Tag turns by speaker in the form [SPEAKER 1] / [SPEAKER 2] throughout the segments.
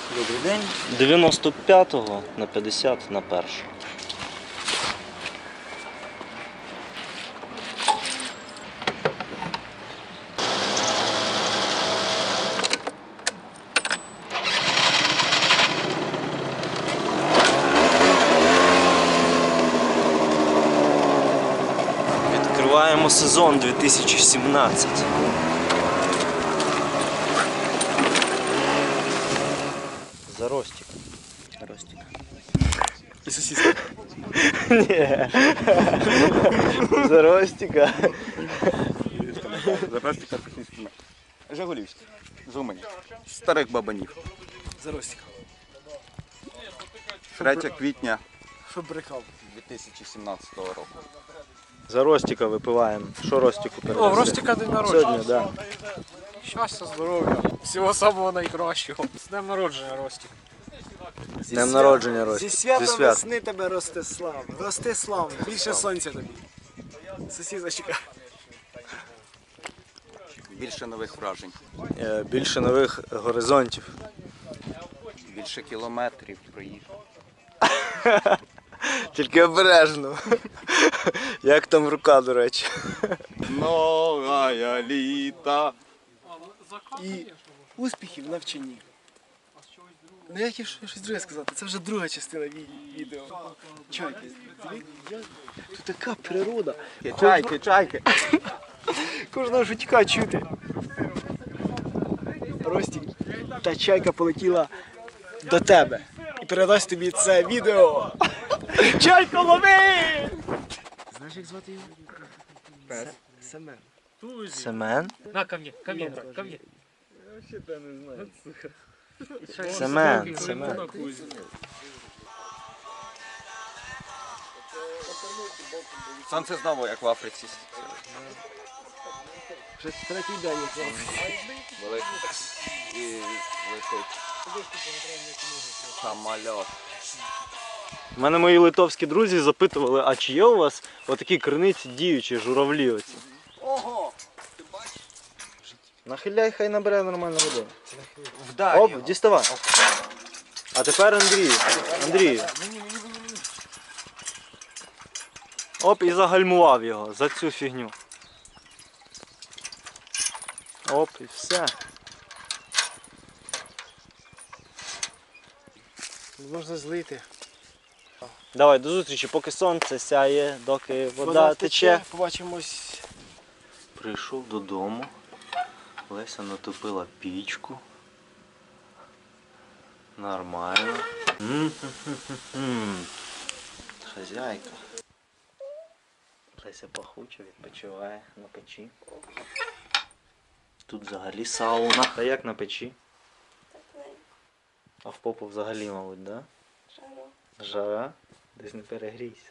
[SPEAKER 1] Добрий день. 95-го на 50 на першу. Відкриваємо сезон 2017. За Ростик. Ростик.
[SPEAKER 2] І сосиска.
[SPEAKER 1] Ні. За Ростика.
[SPEAKER 2] За Ростика сосиски. Жигулівський. З Умані. Старих бабанів.
[SPEAKER 3] За Ростика.
[SPEAKER 2] 3 квітня
[SPEAKER 3] Щоб брехав.
[SPEAKER 2] 2017 року.
[SPEAKER 1] За Ростика випиваємо. Що Ростику передаси?
[SPEAKER 3] О, в Ростика день народження.
[SPEAKER 1] Сьогодні, так.
[SPEAKER 3] Щастя, здоров'я. Всього самого найкращого. З днем народження, Ростик.
[SPEAKER 1] З днем народження, Ростик.
[SPEAKER 3] Зі святом весни тебе Ростислав. Ростислав, більше сонця тобі. Сусідочка.
[SPEAKER 2] Більше нових вражень.
[SPEAKER 1] Більше нових горизонтів.
[SPEAKER 2] Більше кілометрів проїхав.
[SPEAKER 1] Тільки обережно. Як там рука, до речі.
[SPEAKER 2] Новая літа.
[SPEAKER 3] І успіхів в навчанні. Ну як щось друге сказати, це вже друга частина відео. Чайки. Тут така природа.
[SPEAKER 2] Чайки.
[SPEAKER 3] Кожного жучка чути. Ростик, та чайка полетіла до тебе і передасть тобі це відео. Чайко, лови! Знаєш, як звати його? Семен.
[SPEAKER 1] Семен?
[SPEAKER 4] На, ко мне, брат, ко мне.
[SPEAKER 1] Семен.
[SPEAKER 2] Сонце знову як в Африці.
[SPEAKER 3] Вже третій день.
[SPEAKER 2] Великий. І летить. Самольот.
[SPEAKER 1] У мене мої литовські друзі запитували, а чи є у вас отакі криниці діючі журавлі оці?
[SPEAKER 2] Ого! Ти бачиш?
[SPEAKER 1] Нахиляй, хай набере нормальну воду.
[SPEAKER 2] Вдарь
[SPEAKER 1] Оп,
[SPEAKER 2] його.
[SPEAKER 1] діставай. А тепер Андрію. Оп, і загальмував його за цю фігню. Оп, і все.
[SPEAKER 3] Можна злити.
[SPEAKER 1] Давай, до зустрічі, поки сонце сяє, доки вода тече.
[SPEAKER 3] Побачимось.
[SPEAKER 1] Прийшов додому. Леся натопила пічку. Нормально. Хазяйка. Леся пахуче відпочиває на печі. Тут взагалі сауна. Та як на печі? А в попу взагалі, мабуть, да? Жара? Десь не перегрійся.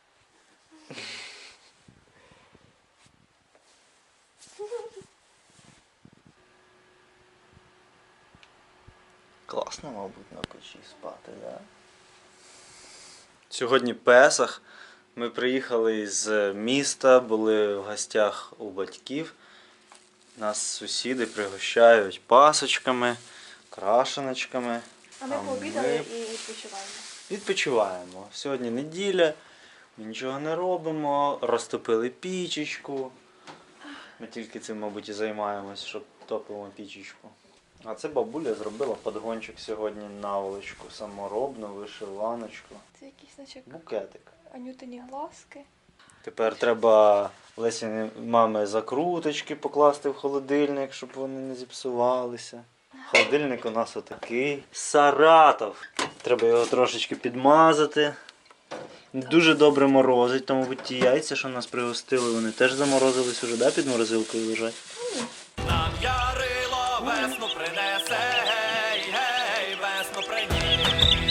[SPEAKER 1] Класно, мабуть, на печі спати, да? Сьогодні Песах. Ми приїхали з міста, були в гостях у батьків. Нас сусіди пригощають пасочками, крашеночками.
[SPEAKER 5] А ми пообідали і відпочиваємо.
[SPEAKER 1] Відпочиваємо. Сьогодні неділя, ми нічого не робимо, розтопили пічечку. Ми тільки цим, мабуть, і займаємось, що топимо пічечку. А це бабуля зробила подгончик сьогодні, наволочку, саморобну, вишиваночку.
[SPEAKER 5] Це якийсь наче
[SPEAKER 1] Букетик.
[SPEAKER 5] анютині глазки.
[SPEAKER 1] Тепер треба Лесіні мами закруточки покласти в холодильник, щоб вони не зіпсувалися. Холодильник у нас отакий. Саратов. Треба його трошечки підмазати. Дуже добре морозить, тому будь ті яйця, що нас пригостили, вони теж заморозились уже, да, під морозилкою лежать?
[SPEAKER 6] Нам ярило весну принесе, гей, гей, весну приніс.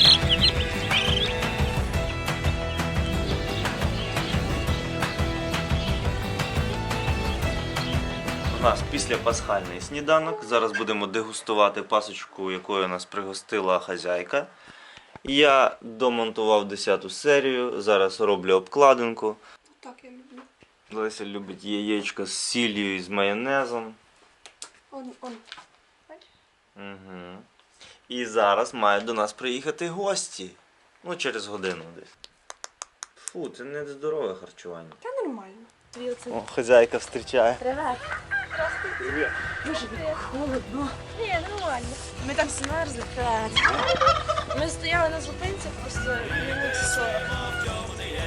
[SPEAKER 1] У нас післяпасхальний сніданок. Зараз будемо дегустувати пасочку, якою нас пригостила хазяйка. Я домонтував 10-ту серію, зараз роблю обкладинку.
[SPEAKER 5] Так я люблю.
[SPEAKER 1] Леся любить яєчко з сіллю і з майонезом.
[SPEAKER 5] Он.
[SPEAKER 1] Угу. І зараз мають до нас приїхати гості. Ну, через годину десь. Фу, це не здорове харчування.
[SPEAKER 5] Та нормально.
[SPEAKER 1] О, хазяйка зустрічає.
[SPEAKER 4] Холодно. Ні, нормально. Ми там змерзли. Ми стояли на зупинці просто минут 40.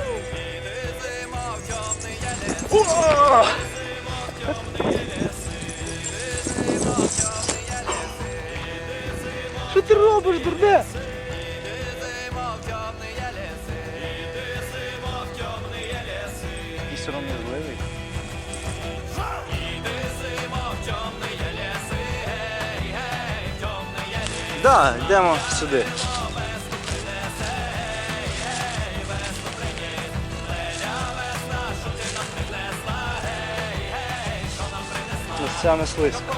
[SPEAKER 3] Що ти робиш, дурне?
[SPEAKER 1] І сором'язливий. Так, йдемо сюди. Це не слизько.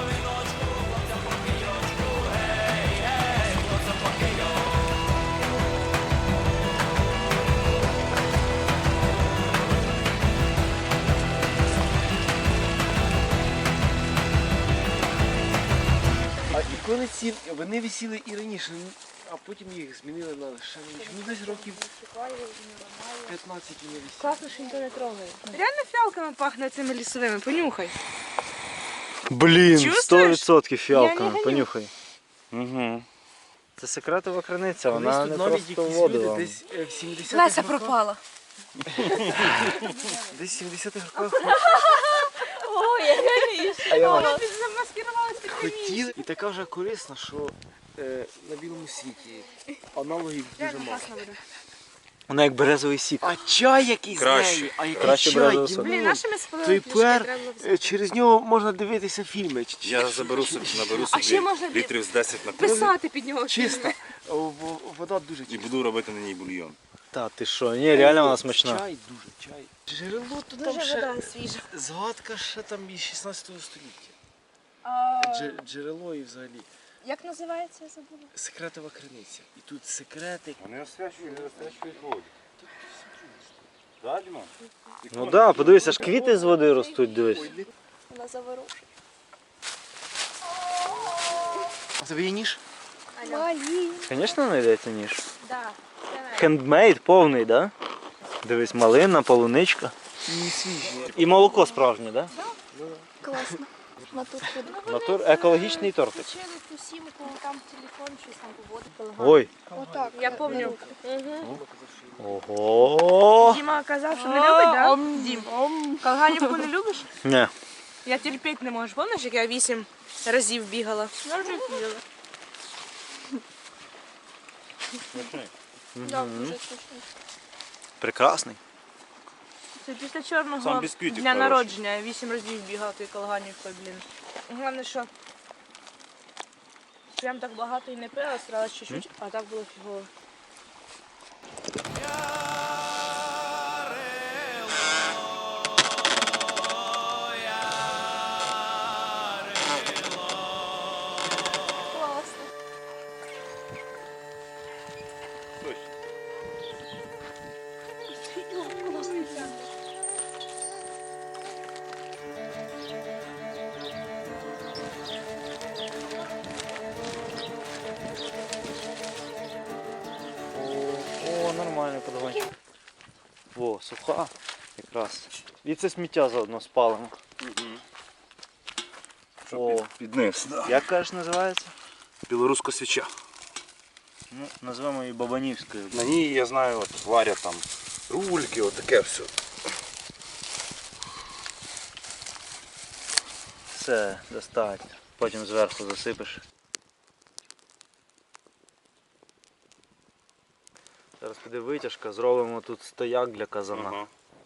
[SPEAKER 3] А ікони ці, вони висіли і раніше, а потім їх змінили на ще раніше. Ну десь років 15 вони висіли.
[SPEAKER 4] Класно, що ніхто не трогає. Реально фіалками пахне цими лісовими, понюхай.
[SPEAKER 1] Блін,
[SPEAKER 4] Чувствуєш?
[SPEAKER 1] 100%
[SPEAKER 4] Я
[SPEAKER 1] фіалками,
[SPEAKER 4] не ганю.
[SPEAKER 1] понюхай. Угу. Це секретова криниця, вона
[SPEAKER 3] Колись
[SPEAKER 1] не
[SPEAKER 3] тут навіть
[SPEAKER 1] просто
[SPEAKER 3] якісь
[SPEAKER 1] воду
[SPEAKER 3] люди
[SPEAKER 1] вам.
[SPEAKER 3] десь в 70-х
[SPEAKER 4] Леся
[SPEAKER 3] роках,
[SPEAKER 4] пропала.
[SPEAKER 3] десь в 70-х роках
[SPEAKER 4] Ой, я не
[SPEAKER 3] А я вам
[SPEAKER 4] замаскирувалась під
[SPEAKER 3] хотіли. І така вже корисна, що на білому світі аналогів дуже мало.
[SPEAKER 1] Вона як березовий сік.
[SPEAKER 3] А чай який
[SPEAKER 2] Краще.
[SPEAKER 3] з нею, а який
[SPEAKER 1] Краще
[SPEAKER 3] чай,
[SPEAKER 1] березовий сок.
[SPEAKER 4] Блін,
[SPEAKER 3] Дімон.
[SPEAKER 4] нашими спалили
[SPEAKER 3] Тепер через нього можна дивитися фільми.
[SPEAKER 2] Я заберу собі, наберу
[SPEAKER 4] А ще можна
[SPEAKER 2] собі літрів з 10 на кухню
[SPEAKER 4] писати під нього.
[SPEAKER 3] Чиста. Вода дуже
[SPEAKER 2] і
[SPEAKER 3] чиста.
[SPEAKER 2] буду робити на ній бульйон.
[SPEAKER 1] Та ти що, ні, реально вона смачна.
[SPEAKER 3] Чай дуже, чай. Джерело то там
[SPEAKER 4] Дуже
[SPEAKER 3] ще,
[SPEAKER 4] вода свіжа.
[SPEAKER 3] згадка ще там із 16 століття. Джерело і взагалі.
[SPEAKER 4] Як називається, я забула?
[SPEAKER 3] Секретова криниця. І тут секрети.
[SPEAKER 2] Вони освячують воду. Так, Діма?
[SPEAKER 1] Ну так, да, подивися, аж квіти з води ростуть, дивись.
[SPEAKER 5] Вона заворушує.
[SPEAKER 3] А тобі є ніж?
[SPEAKER 5] Малі.
[SPEAKER 1] Звісно, знайдеться ніж.
[SPEAKER 4] Да.
[SPEAKER 1] Хендмейд повний, да? Дивись, малина, полуничка.
[SPEAKER 3] І свіжі.
[SPEAKER 1] І молоко справжнє, да?
[SPEAKER 5] Класно. Натур ходить.
[SPEAKER 1] Натур екологічний тортик.
[SPEAKER 4] Включили ту сімку, там телефон, щось там поводить.
[SPEAKER 1] Ой.
[SPEAKER 5] Отак.
[SPEAKER 4] Я пам'ятаю.
[SPEAKER 1] Ого.
[SPEAKER 4] Діма казав, що не любить, так? Дім, калганівку не любиш?
[SPEAKER 1] Не.
[SPEAKER 4] Я терпіти не можу. Пам'ятаєш, як я 8 разів бігала? Я вже бігала.
[SPEAKER 5] Так, дуже смачно.
[SPEAKER 1] Прекрасний.
[SPEAKER 4] Це після чорного
[SPEAKER 2] Сам бісквітик
[SPEAKER 4] дня
[SPEAKER 2] хороший.
[SPEAKER 4] народження. Я 8 разів бігала тою калганівкою, блін. Головне, що прям так багато і не пила, старалась чуть-чуть, а так було фігово.
[SPEAKER 5] Класно.
[SPEAKER 1] О, нормальний подгончик. О, суха. Якраз. І це сміття заодно спалимо. О,
[SPEAKER 2] Під низ.
[SPEAKER 1] як кажеш, називається?
[SPEAKER 2] Білоруська свіча.
[SPEAKER 1] Ну, назвемо її Бабанівською.
[SPEAKER 2] На ній, я знаю, от, варять там рульки, отаке все.
[SPEAKER 1] Все, достатньо. Потім зверху засипеш. Зараз піде витяжка, зробимо тут стояк для казана.
[SPEAKER 2] Ага.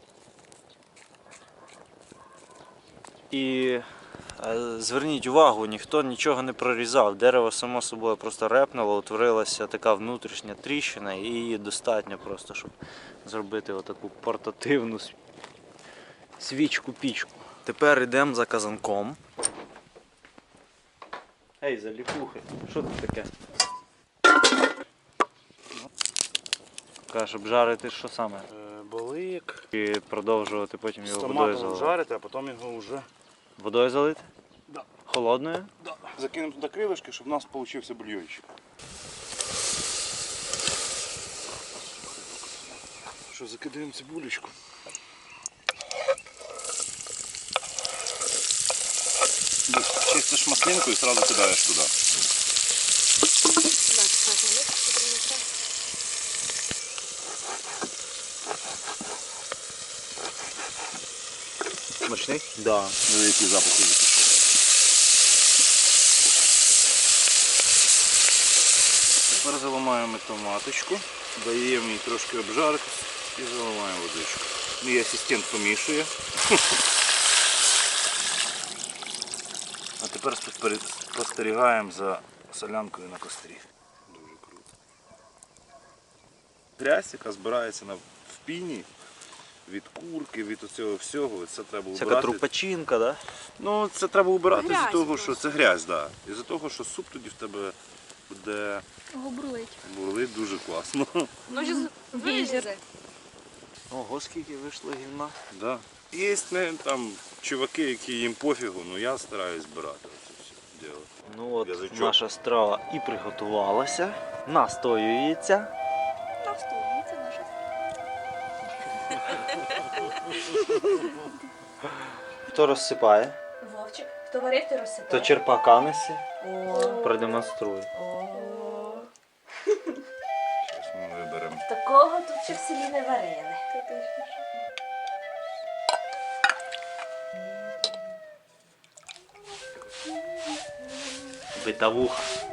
[SPEAKER 1] І зверніть увагу, ніхто нічого не прорізав. Дерево само собою просто репнуло, утворилася така внутрішня тріщина і її достатньо просто, щоб зробити отаку портативну свічку-пічку. Тепер йдемо за казанком. Ей, заліпухи, що тут таке? Каже, щоб жарити що саме?
[SPEAKER 2] Балик.
[SPEAKER 1] І продовжувати потім
[SPEAKER 2] З
[SPEAKER 1] його водою
[SPEAKER 2] томатом
[SPEAKER 1] заливати.
[SPEAKER 2] жарити, а потім його вже.
[SPEAKER 1] Водою залити?
[SPEAKER 2] Да.
[SPEAKER 1] Холодною?
[SPEAKER 2] Закинемо туди крилишки, щоб у нас вийшов бульйончик. Що, закидаємо цибулечку. Чистиш маслинку і одразу кидаєш туди.
[SPEAKER 1] Смачний? Да.
[SPEAKER 2] Великий запах пішов. Тепер заливаємо томаточку, даємо їй трошки обжаритись і заливаємо водичку. Мій асистент помішує. А тепер спостерігаємо за солянкою на кострі. Дуже круто. Грязь, яка збирається в піні від курки, від цього всього, це треба
[SPEAKER 1] Всяка
[SPEAKER 2] убирати.
[SPEAKER 1] трупачинка, да?
[SPEAKER 2] Ну, це треба убирати
[SPEAKER 4] Грязь
[SPEAKER 2] з-за того,
[SPEAKER 4] просто.
[SPEAKER 2] що це грязь, да. І за того, що суп тоді в тебе буде
[SPEAKER 5] Губрулить.
[SPEAKER 2] бурлить дуже класно.
[SPEAKER 4] Ну, зараз вилізе.
[SPEAKER 1] Ого, скільки вийшло гімна.
[SPEAKER 2] Да. Є там чуваки, які їм пофігу, але я стараюсь збирати це все діло.
[SPEAKER 1] Ну от
[SPEAKER 2] Язичок.
[SPEAKER 1] наша страва і приготувалася. Настоюється.
[SPEAKER 5] Настоїться наша.
[SPEAKER 1] Хто розсипає,
[SPEAKER 4] Вовчик, хто варив, ти
[SPEAKER 1] то
[SPEAKER 4] розсипає.
[SPEAKER 1] черпака неси. Продемонструй.
[SPEAKER 2] Зараз ми виберемо.
[SPEAKER 4] Такого тут ще в селі не варили.
[SPEAKER 1] Битавуха.